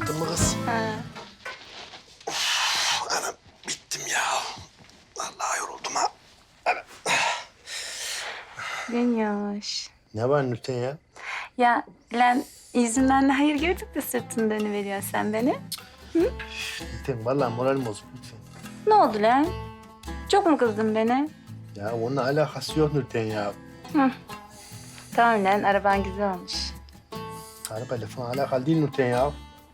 Kalktın mı kız? Ha. Anam bittim ya. Vallahi yoruldum ha. Anam. Minnoş. Ne var Nurten ya? Ya lan yüzünden de hayır gördük de sırtını dönüveriyorsun sen beni. Nurten vallahi moralim bozuk lütfen. Ne oldu lan? Çok mu kızdın beni? Ya onunla alakası yok Nurten ya. Hı. Tamam lan araban güzel olmuş. Arabayla falan alakalı değil Nurten ya.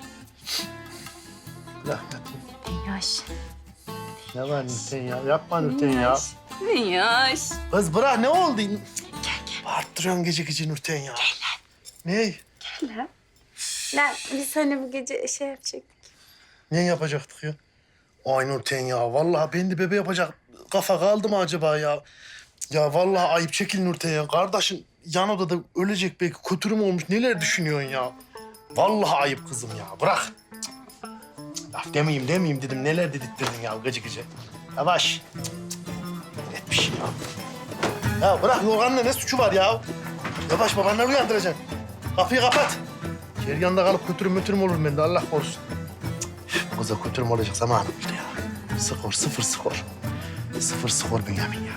Bırak yatayım. Minnoş. Ne var Nurten ya? Yapma Nurten ya. Minnoş. Kız bırak ne oldu? Gel. Bağırttırıyorsun gece gece Nurten ya. Ne? Lan. Lan biz hani bu gece şey yapacaktık. Ne yapacaktık ya? Ay Nurten ya. Vallahi ben de bebe yapacak kafa kaldı mı acaba ya? Ya vallahi ayıp çekil Nurten ya. Kardeşin yan odada ölecek belki kötürüm olmuş. Neler düşünüyorsun ya? Vallahi ayıp kızım ya. Bırak. Laf demeyeyim dedim. Neler dedirttirdin ya gıcı gıcı. Yavaş. Et bir şey ya. Ya bırak yorganla ne suçu var ya? Yavaş babanları uyandıracaksın. Kapıyı kapat. Ceryanda kalıp kötürüm olur bende Allah korusun. Bu kıza kötürüm olacak zamanım işte ya. Skor 0-0. 0-0 Bünyamin ya.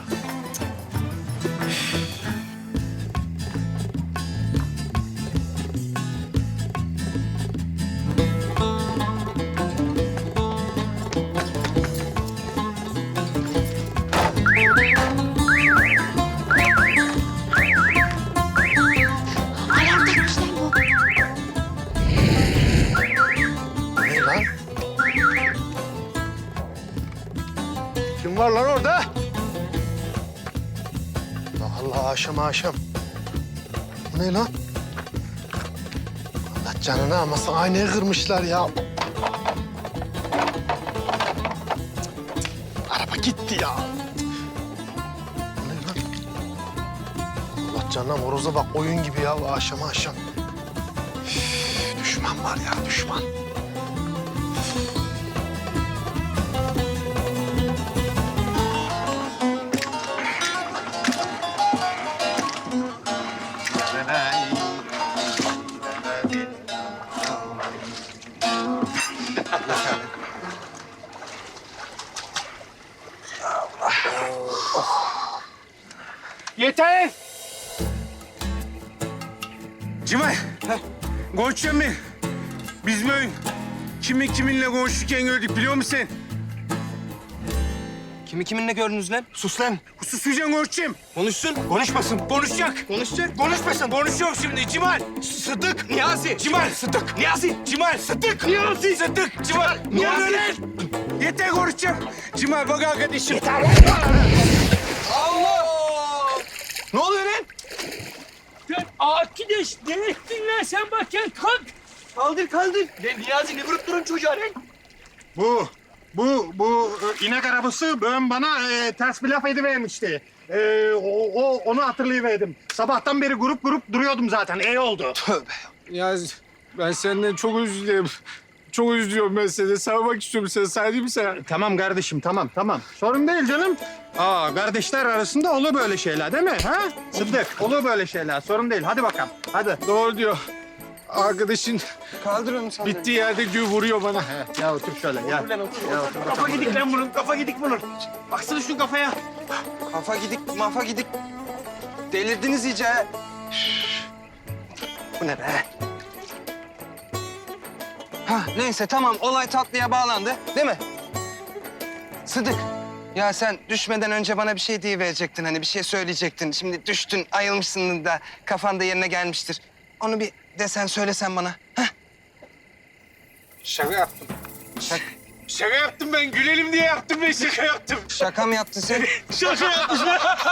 Ne lan? Kim var lan orada? Allah akşam. Bu ne lan? Allah canını almasın. Aynayı kırmışlar ya. Araba gitti ya. Bu ne lan? Allah canına horoza bak oyun gibi ya akşam. Üf, düşman var ya düşman. Yeter! Cimal, konuşacağım ben. Biz mi kiminle konuşurken gördük biliyor musun sen? Kiminle gördünüz lan? Sus lan. Susmayacaksın konuşacağım. Konuşsun. Konuşmasın. Konuşacak. Konuşacak. Konuşmasın. Konuşuyor şimdi Cimal. Sıddık. Niyazi. Cimal. Sıddık. Niyazi. Cimal. Sıddık. Niyazi. Sıddık. Cimal. Niyazi. Yeter konuşacağım. Cimal bak arkadaşım. Yeter. Allah! Ne oluyor lan? Sen arkadaş ne ettin lan sen bakayım kalk. Kaldır. Lan Niyazi ne vurup durun çocuğa lan? Bu inek arabası bana ters bir laf edivermişti. Onu hatırlayıverdim. Sabahtan beri grup duruyordum zaten. İyi oldu. Ya ben senden çok özür dilerim. Çok üzülüyorum ben seni. Sarmak istiyorum seni. Sarayım mı sana? Tamam kardeşim, tamam. Sorun değil canım. Kardeşler arasında olur böyle şeyler değil mi? Ha? Sıddık, olur böyle şeyler. Sorun değil. Hadi bakalım. Hadi. Doğru diyor. Arkadaşın Kaldır onu sen. bittiği yerde gül vuruyor bana. Ya otur şöyle. Ya. Kafa gidik lan bunun. Kafa gidik bunun. Baksana şu kafaya. Kafa gidik. Delirdiniz iyice ha. Bu ne be? Neyse tamam olay tatlıya bağlandı değil mi? Sıdık. Ya sen düşmeden önce bana bir şey diyiverecektin hani bir şey söyleyecektin. Şimdi düştün ayılmışsın da kafan da yerine gelmiştir. Onu bir desen söylesen bana. Hah? Şaka yaptım. Şaka yaptım ben. Gülelim diye yaptım ben. Şaka yaptım. Şaka mı yaptın sen? Şaka yaptım.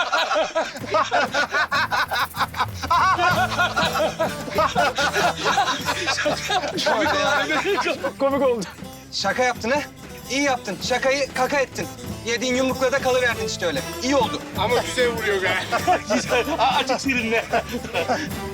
Komik oldu. Şaka yaptın ha? İyi yaptın. Şakayı kaka ettin. Yediğin yumrukla da kalıverdin işte öyle. İyi oldu. Ama güzel vuruyor be. Güzel. Açık serinle.